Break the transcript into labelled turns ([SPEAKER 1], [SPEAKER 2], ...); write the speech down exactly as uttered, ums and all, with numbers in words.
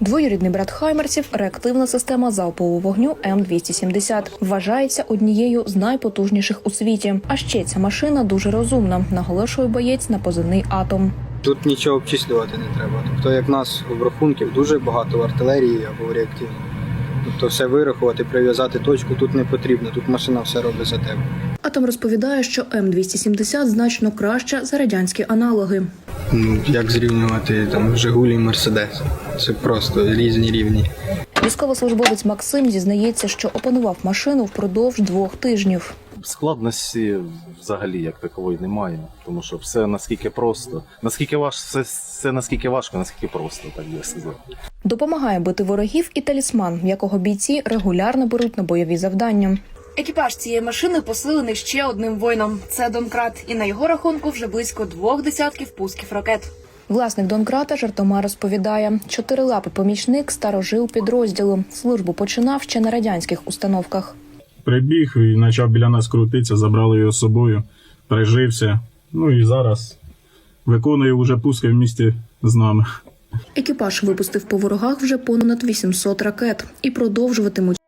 [SPEAKER 1] Двоюрідний брат хаймерсів – реактивна система залпового вогню М двісті сімдесят. Вважається однією з найпотужніших у світі. А ще ця машина дуже розумна, наголошує боєць на позивний «Атом».
[SPEAKER 2] Тут нічого обчислювати не треба. Тобто, як в нас обрахунків дуже багато в артилерії або в реактивній. Тобто все вирахувати, прив'язати точку тут не потрібно, тут машина все робить за тебе.
[SPEAKER 1] «Атом» розповідає, що М двісті сімдесят значно краща за радянські аналоги.
[SPEAKER 2] Ну, як зрівнювати там «Жигулі» і «Мерседес»? Це просто різні рівні.
[SPEAKER 1] Військовослужбовець Максим зізнається, що опанував машину впродовж двох тижнів.
[SPEAKER 3] Складності взагалі як такової немає, тому що все наскільки просто, наскільки важко, все, все наскільки важко, наскільки просто, так би сказати.
[SPEAKER 1] Допомагає бити ворогів і талісман, якого бійці регулярно беруть на бойові завдання.
[SPEAKER 4] Екіпаж цієї машини посилений ще одним воїном – це Донкрат. І на його рахунку вже близько двох десятків пусків ракет.
[SPEAKER 1] Власник Донкрата жартома розповідає, чотирилапий помічник старожил підрозділу. Службу починав ще на радянських установках.
[SPEAKER 5] Прибіг і почав біля нас крутитися, забрали його з собою, прижився. Ну і зараз виконує вже пуски в місті з нами.
[SPEAKER 1] Екіпаж випустив по ворогах вже понад вісімсот ракет і продовжуватимуть.